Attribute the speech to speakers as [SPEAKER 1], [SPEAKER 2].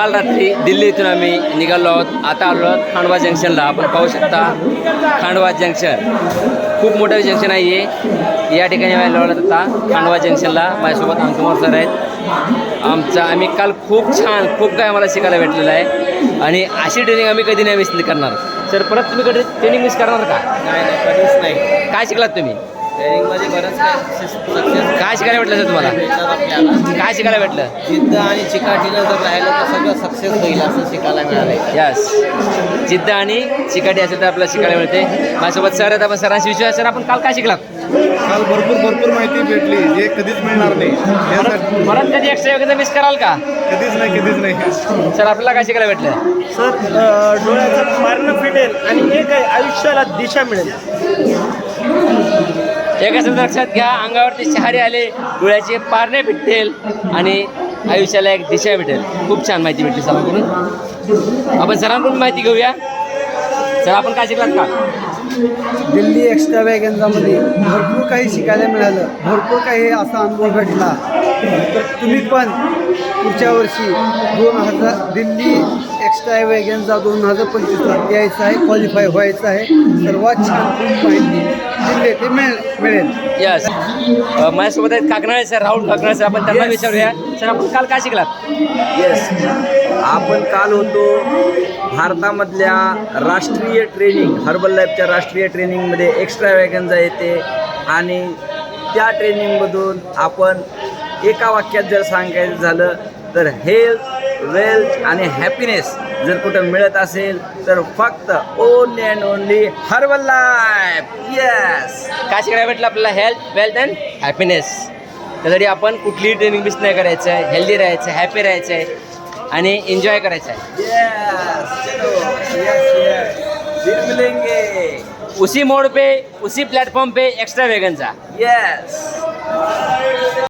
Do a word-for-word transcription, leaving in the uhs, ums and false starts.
[SPEAKER 1] काल रात्री दिल्ली इथून आम्ही निघालो आहोत. आता आलो आहोत खांडवा जंक्शनला. आपण पाहू शकता खांडवा जंक्शन खूप मोठं जंक्शन आहे हे. या ठिकाणी आम्ही आलो आहोत आता खांडवा जंक्शनला. माझ्यासोबत अंकुमार सर आहेत. आमचा आम्ही काल खूप छान खूप काय आम्हाला शिकायला भेटलेलं आहे आणि अशी ट्रेनिंग आम्ही कधी नाही मिस करणार. सर परत तुम्ही कधी ट्रेनिंग मिस करणार का?
[SPEAKER 2] नाही नाही कधीच नाही.
[SPEAKER 1] काय शिकलात तुम्ही
[SPEAKER 2] ट्रेनिंगमध्ये बरंच काय सक्सेस
[SPEAKER 1] काय शिकायला भेटलं सर तुम्हाला?
[SPEAKER 2] भेटतात आपल्याला.
[SPEAKER 1] काय शिकायला भेटलं?
[SPEAKER 2] जिद्द आणि चिकाटीनं जर राहिलं तर सगळं सक्सेस होईल असं शिकायला मिळालं.
[SPEAKER 1] यस, जिद्द आणि चिकाटी असेल तर आपल्याला शिकायला मिळते. माझ्यासोबत सर आहेत. आपण सरांशी विश्वास. सर आपण काल काय शिकलात?
[SPEAKER 3] काल भरपूर भरपूर माहिती भेटली जे कधीच मिळणार नाही. यासाठी
[SPEAKER 1] परत कधी एक्स्ट्रा वगैरे मिस कराल का?
[SPEAKER 3] कधीच नाही कधीच नाही.
[SPEAKER 1] सर आपल्याला काय शिकायला भेटलं?
[SPEAKER 4] सर डोळ्याचं पारणं फिटेल आणि एक आहे आयुष्याला दिशा मिळेल.
[SPEAKER 1] एक असं लक्षात घ्या, अंगावरती शहारे आले, डोळ्याचे पारणे फिटतील आणि आयुष्याला एक दिशा भेटेल. खूप छान माहिती भेटली सरांकडून. आपण सरांकडून माहिती घेऊया. सर आपण काय शिकलात का?
[SPEAKER 4] दिल्ली एक्स्ट्रा वॅगन्झामध्ये भरपूर काही शिकायला मिळालं. भरपूर काही असा अनुभव भेटला. तर तुम्ही पण पुढच्या वर्षी दोन हजार दिल्ली एक्स्ट्रा वॅगन्झा दोन हजार पंचवीसला यायचं आहे. क्वालिफाय व्हायचं आहे. सर्वात छान खूप माहिती दिल्ली ते मिळेल मिळेल
[SPEAKER 1] यस. माझ्यासोबत आहेत काकनाळे सर, राहुल काकनाळे सर. आपण त्यांना विचारूया. सर आपण काल काय शिकलात?
[SPEAKER 5] येस, आपण काल होतो भारतामधल्या राष्ट्रीय ट्रेनिंग हर्बल लाईफच्या राष्ट्रीय ट्रेनिंगमध्ये एक्स्ट्रा वॅगन्झा येते आणि त्या ट्रेनिंगमधून आपण एका वाक्यात जर सांगायचं झालं तर हेल्थ, वेल्थ आणि हॅपीनेस जर कुठं मिळत असेल तर फक्त only and only herbal life. Yes,
[SPEAKER 1] काय शिकायला भेटलं आपल्याला? Health, wealth and happiness. त्यासाठी आपण कुठलीही ट्रेनिंग मिस नाही करायचं आहे. हेल्दी राहायचं आहे, हॅपी राहायचं आहे आणि एन्जॉय करायचं आहे.
[SPEAKER 5] येस, चलो, येस येस, फिर मिलेंगे.
[SPEAKER 1] उसी मोड पे उसी प्लेटफॉर्म पे एक्स्ट्रा वैगन जा.
[SPEAKER 5] येस.